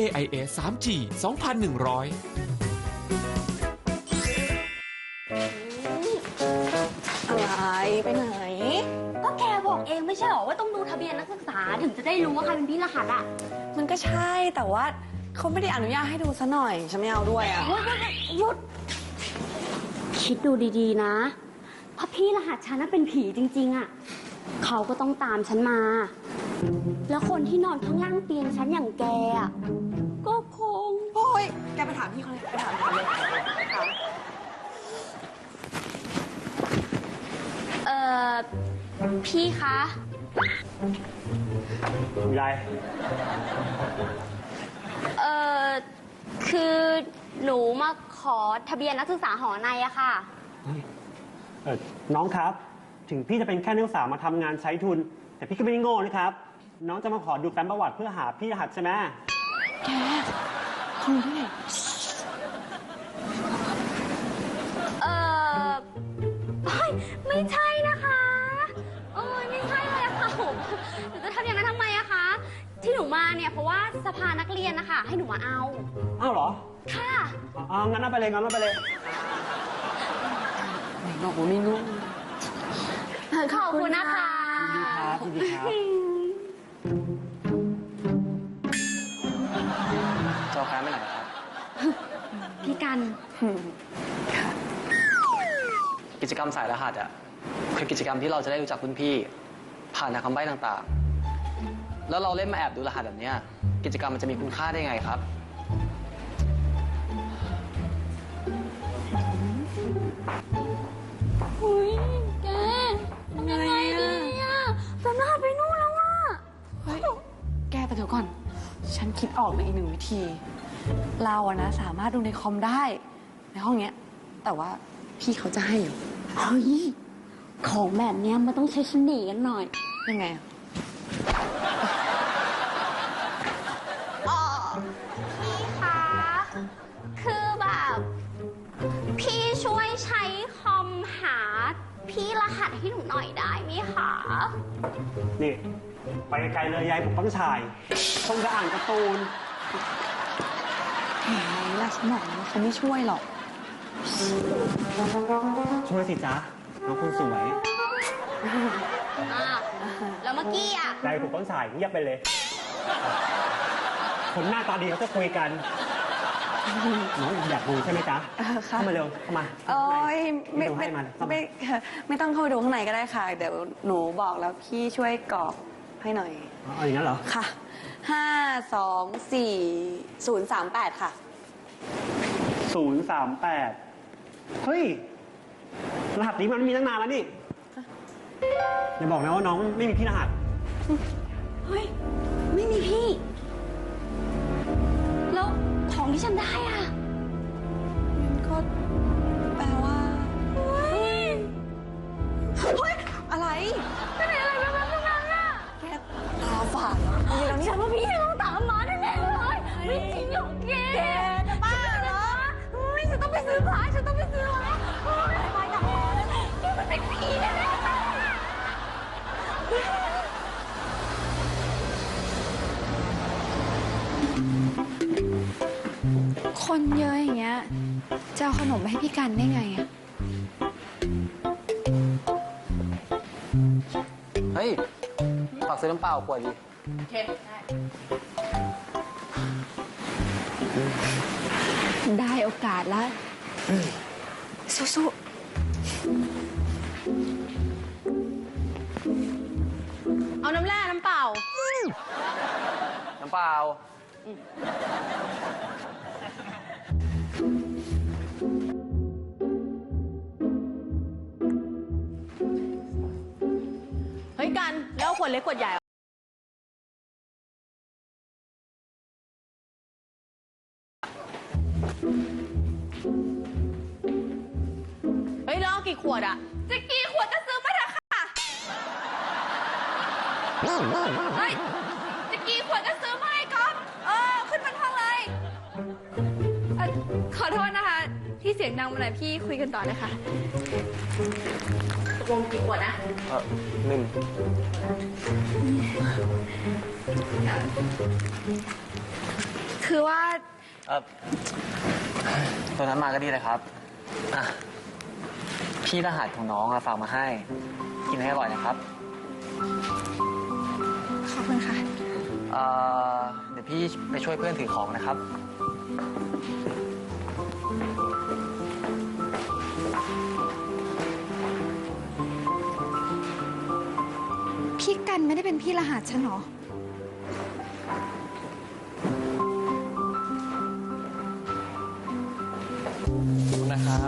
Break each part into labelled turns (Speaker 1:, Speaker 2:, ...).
Speaker 1: AIS 3G 2100
Speaker 2: อะไรไปไหน
Speaker 3: ก็แกบอกเองไม่ใช่หรอว่าต้องดูทะเบียนนักศึกษาถึงจะได้รู้ว่าใครเป็นพี่รหัสอ่ะ
Speaker 2: มันก็ใช่แต่ว่าเขาไม่ได้อนุญาตให้ดูซะหน่อยฉันไม่เอาด้วยอ่ะ
Speaker 3: หยุดคิดดูดีๆนะเพราะพี่รหัสฉันน่ะเป็นผีจริงๆอ่ะเขาก็ต้องตามฉันมาแล้วคนที่นอนข้างล่างเตียงฉันอย่างแกอ่ะก็คง
Speaker 2: โอ้ยแกไปถามพี่เขาเลยไปถามเขาเลย
Speaker 3: พี่คะ
Speaker 4: มีอะไร
Speaker 3: คือหนูมาขอทะเบียนนักศึกษาหอในอะค่ะ
Speaker 4: น้องครับถึงพี่จะเป็นแค่นักศึกษามาทำงานใช้ทุนแต่พี่ก็ไม่ได้โง่นะครับน้องจะมาขอดูแฟ้มประวัติเพื่อหาพี่รหัสใช่ไหม
Speaker 2: แกเขารู้ได้ไง
Speaker 3: ไม่ใช่นะคะไม่ใช่เลยค่ะผมหนูจะทำอย่างนั้นทำไมอะคะที่หนูมาเนี่ยเพราะว่าสภานักเรียนนะคะให้หนูมาเอา
Speaker 4: อ้าวเหรอ
Speaker 3: ค่ะ
Speaker 4: งั้นเอาไปเลย
Speaker 2: ไหนบอกว่าไม่รู้
Speaker 3: ขอบคุณนะคะ
Speaker 4: ยินดีครับ
Speaker 5: จะเอาแฟ้มไปไหนครับ
Speaker 3: พี่กัน
Speaker 5: กิจกรรมสายรหัสอ่ะคือกิจกรรมที่เราจะได้รู้จักรุ่นพี่ผ่านทางคำใบ้ต่างๆแล้วเราเล่นมาแอบดูรหัสแบบนี้กิจกรรมมันจะมีคุณค่าได้ไงครับ
Speaker 3: อุ้ยแกทำยังไงดีอะจำรหัสไปนู่นแล้วอะ
Speaker 2: เฮ้ยแกแต่เดี๋ยวก่อนฉันคิดออกในอีกหนึ่งวิธีเราอะนะสามารถดูในคอมได้ในห้องเนี้ยแต่ว่าพี่เขาจะให้เหรอ
Speaker 3: เฮ้ยของแบบเนี้ยมันต้องใช้เสน่ห์กันหน่อย
Speaker 2: ยังไง
Speaker 3: พี่คะคือแบบพี่ช่วยใช้คอมหาพี่รหัสให้หนูหน่อยได้ไหมคะ
Speaker 4: นี่ไปไกลเลยยายผมต้องชายคงจะอ่านการ์ตูน
Speaker 2: แหมล่ะฉันบอกนะเขาไม่ช่วยหรอก
Speaker 4: ช่วยสิจ๊ะน้องคนสวย
Speaker 3: แล้วเมื่อกี้อ่ะ
Speaker 4: ยายผมต้องชายเงียบไปเลยคนหน้าตาดีเขาจะคุยกันน้องอยากดูใช่ไหมจ๊ะเข้ามาเร็วเข้ามา
Speaker 2: โอ้ยไม่ต้องเข้าไปดูข้างในก็ได้ค่ะเดี๋ยวหนูบอกแล้วพี่ช่วยกรอกให้หน่อย
Speaker 4: เอาอย่างนั้นเหรอ
Speaker 2: ค่ะ524-038ค่ะ
Speaker 4: 038เฮ้ยรหัสนี้มันมีตั้งนานแล้วนี่อย่าบอกนะว่าน้องไม่มีพี่รหัส
Speaker 3: เฮ้ยไม่มีพี่แล้วของที่ฉันได้อ่ะ
Speaker 2: มันก็แปลว่าเฮ้ยอะไร
Speaker 3: เป็นอะไรแบบนั้นอ่ะ
Speaker 2: แกตาฝาดเหรอ
Speaker 3: ฉันว่าพี่ต้องตามมาแน่ๆเลยไม่จริงหรอกแก
Speaker 2: จะบ้าเหรอ
Speaker 3: ฉันต้องไปซื้อผ้าฉันต้องไปซื้อผ้าไปกับแกมันเป็นผีแน่ๆ
Speaker 2: คนเยอะอย่างเงี้ยจะเอาขนมไปให้พี่กันได้ไงอะ
Speaker 5: เฮ้ยฝากซื้อน้ำเปล่าขวดดิ
Speaker 2: โอเคได้โอกาสแล้วสู้ๆเอาน้ำแร่น้ำเปล่า
Speaker 5: น้ำเปล่า
Speaker 2: เฮ้ยกันแล้วขวดเล็กขวดใหญ่เฮ้ยแล้วเอากี่ขวดอะ
Speaker 3: จะกี่ขวดก็ซื้อมาเถอะค่ะเฮ้ยจะกี่ขวดก็ซื้อมาให้ก๊อฟขึ้นบนห้องเลยขอโทษนะคะที่เสียงดังมาหน่อยพี่คุยกันต่อนะคะตกลงกี่ขวดนะ
Speaker 5: 1
Speaker 2: คือว่า
Speaker 5: ตัวนั้นมาก็ดีเลยครับอ่ะพี่รหัสของน้องฝากมาให้ กินให้อร่อยนะครับ
Speaker 2: ขอบคุณค่ะ
Speaker 5: เดี๋ยวพี่ไปช่วยเพื่อนถือของนะครับ
Speaker 2: พี่กันไม่ได้เป็นพี่รหัสฉันหรอ
Speaker 5: นะครับ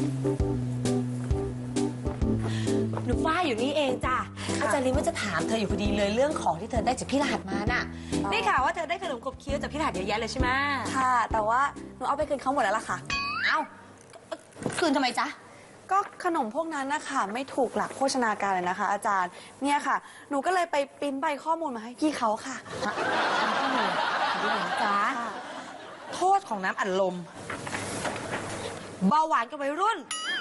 Speaker 6: หนูฝ้ายอยู่นี่เองจ้ะอาจารย์ลินว่าจะถามเธออยู่พอดีเลยเรื่องของที่เธอได้จากพี่รหัสมาน่ะได้ข่าวว่าเธอได้ขนมขบเคี้ยวจากพี่รหัสเยอะแยะเลยใช่ไหม
Speaker 2: ค่ะ แต่ว่าหนูเอาไปคืนเขาหมดแล้วล่ะค่ะ
Speaker 6: เอ้าคืนทำไมจ๊ะ
Speaker 2: ก็ขนมพวกนั้นนะคะไม่ถูกหลักโภชนาการเลยนะคะ อาจารย์ เนี่ยค่ะ หนูก็เลยไปปริ้นใบข้อมูลมาให้พี่เขาค่ะ
Speaker 6: ดูหน่อยนะจ๊ะโทษของน้ำอัดลมเบาหวานกับวัยรุ่น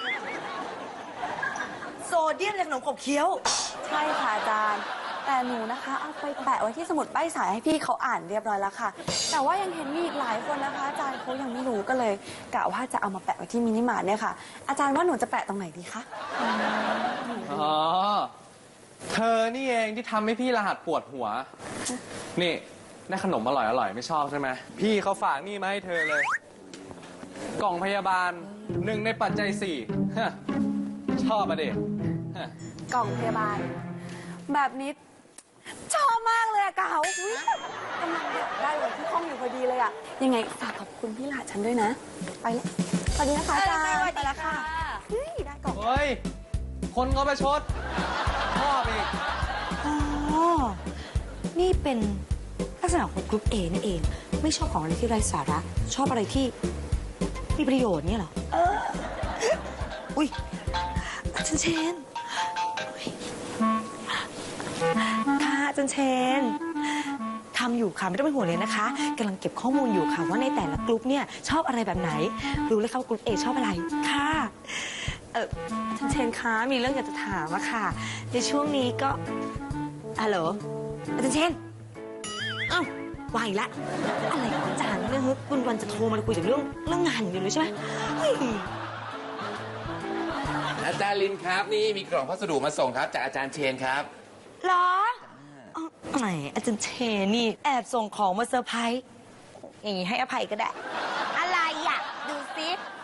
Speaker 6: โซเดียมในขนมขบเคี้ยว
Speaker 2: ใช่ค่ะอาจารย์ แต่หนูนะคะเอาไปแปะไว้ที่สมุดใบสายให้พี่เขาอ่านเรียบร้อยแล้วค่ะ แต่ว่ายังเห็นมีอีกหลายคนนะคะ อาจารย์เขายังไม่รู้ก็เลยกะว่าจะเอามาแปะไว้ที่มินิมาร์ทเนี่ยค่ะ อาจารย์ว่าหนูจะแปะตรงไหนดีคะ
Speaker 7: อ๋อ เธอนี่เองที่ทำให้พี่รหัสปวดหัว นี่ได้ขนมอร่อยไม่ชอบใช่ไหม พี่เขาฝากนี่มาให้เธอเลย กล่องพยาบาล1 ในปัจจัย 4ฮะชอบอะเด็ก
Speaker 2: กล่องพยาบาล แบบนี้ชอบมากเลยอะเก๋าอุ๊ยกำลังอยากได้แบบที่ห้องอยู่พอดีเลยอะยังไงฝากขอบคุณพี่หลาฉันด้วยนะ ไปแล้วสวัสดีนะคะอาจารย์ไปแล้วค่ะเฮ้ยได้กล่อง
Speaker 7: เฮ้ย คนเขาประชดชอบอีก
Speaker 6: อ๋อ นี่เป็นลักษณะของกรุ๊ปเอนี่เอง ไม่ชอบของอะไรที่ไร้สาระ ชอบอะไรที่มีประโยชน์เนี่ยเหรออุ้ยอาจารย์เชนค่ะอาจารย์เชนทำอยู่ค่ะไม่ต้องเป็นห่วงเลยนะคะกำลังเก็บข้อมูลอยู่ค่ะว่าในแต่ละกลุ่มเนี่ยชอบอะไรแบบไหน รู้เลยค่ะว่ากลุ่มเอชอบอะไรค่ะอาจารย์เชนคะมีเรื่องอยากจะถามอะค่ะในช่วงนี้ก็ฮัลโหลอาจารย์เชนอ้าววางอีกแล้วอะไรของอาจารย์เนี่ยคุณวันจะโทรมาคุยถึงเรื่องงานอยู่เลยใช่ไหมเฮ้ย
Speaker 8: อาจารย์ลินครับนี่มีกล่องพัสดุมาส่งครับจากอาจารย์เชนครับ
Speaker 6: เหรอไหนอาจารย์เชนนี่แอบส่งของมาเซอร์ไพรส์อย่างนี้ให้อภัยก็ได้ อะไรอ่ะ ดูซิ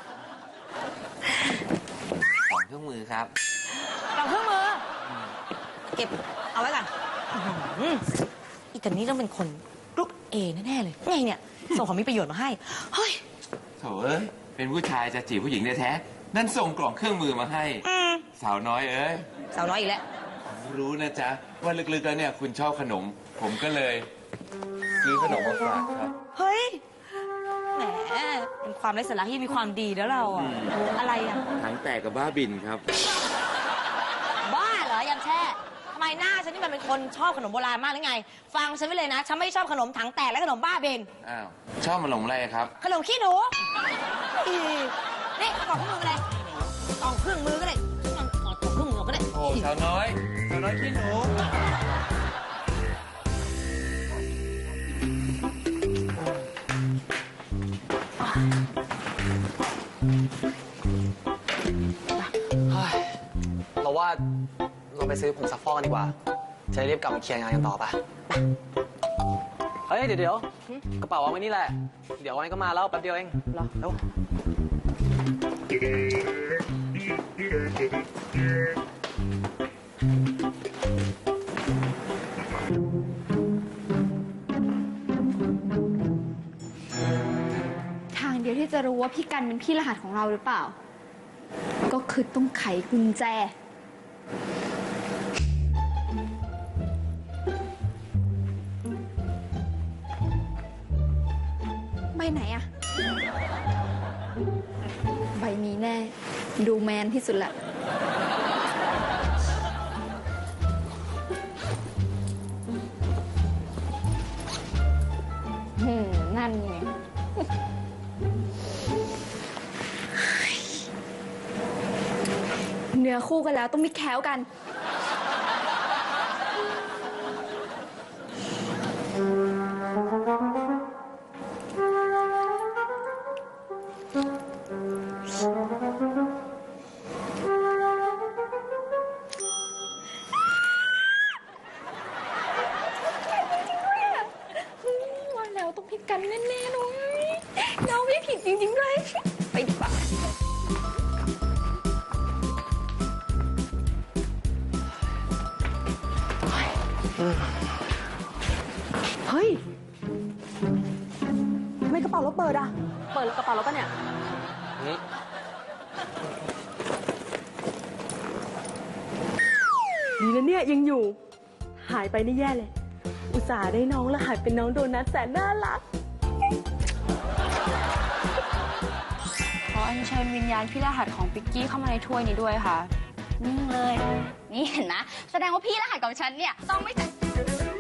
Speaker 8: ของเครื่องมือครับ
Speaker 6: กล่องเครื่องมือ เก็บเอาไว้ก่อนอีตอนนี้ต้องเป็นคนกรุ๊ปเอแน่ๆเลยไงเนี่ย ส่งของมีประโยชน์มาให้ เฮ้ย
Speaker 8: โถเอ้ยเป็นผู้ชายจะจีบผู้หญิงแท้ๆนั่นส่งกล่องเครื่องมือมาให้ สาวน้อยเอ้ย
Speaker 6: สาวน้อยอีกแล้ว
Speaker 8: รู้นะจ๊ะว่าลึกๆแล้วเนี่ยคุณชอบขนม ผมก็เลยซื้อขนมมาฝากครับ
Speaker 6: เฮ้ย แหม เป็นความไร้สาระที่มีความดีแล้วเราอ่ะ อะไรอ่ะ
Speaker 8: ถังแตกกับบ้าบินครับ
Speaker 6: บ้าเหรอยำแช่ทำไมหน้าฉันนี่มันเป็นคนชอบขนมโบราณมากหรือไง ฟังฉันไว้เลยนะ ฉันไม่ชอบขนมถังแตกและขนมบ้าเบน
Speaker 8: อ้าวชอบมาหลงอะไรครับ
Speaker 6: ขนมขี้หนูอีนี่กล่องเครื่องมืออะไรกล่องเครื่องมือก็ได้กล่องเครื่องมือก็ได้
Speaker 8: โอ้สาวน้อยขี้หนู
Speaker 5: เราว่าเราไปซื้อผงซักฟอกกันดีกว่า จะได้รีบกลับมาเคลียร์งานกันต่อปะเฮ้ย เดี๋ยวกระเป๋าวางไว้นี่แหละ เดี๋ยววันนี้ก็มาแล้วแป๊บเดียวเองรอเร็ว
Speaker 9: ทางเดียวที่จะรู้ว่าพี่กันเป็นพี่รหัสของเราหรือเปล่า ก็คือต้องไขกุญแจ ใบไหนอะใบนี้แน่ ดูแมนที่สุดละนั่นไง เนื้อคู่กันแล้วต้องมีแค้วกัน
Speaker 2: จริงๆด้วยไปดีกว่าเฮ้ยทำไมกระเป๋ารถเปิดอ่ะ เปิดกระเป๋ารถปะเนี่ย
Speaker 6: ดีนะเนี่ยยังอยู่ หายไปนี่แย่เลย อุตส่าห์ได้น้องรหัสเป็นน้องโดนัทแสนน่ารัก
Speaker 9: ขออัญเชิญวิญญาณพี่รหัสของปิกกี้เข้ามาในถ้วยนี้ด้วยค่ะ
Speaker 3: นิ่งเลย นี่เห็นนะ แสดงว่าพี่รหัสของฉันเนี่ยต้องไม่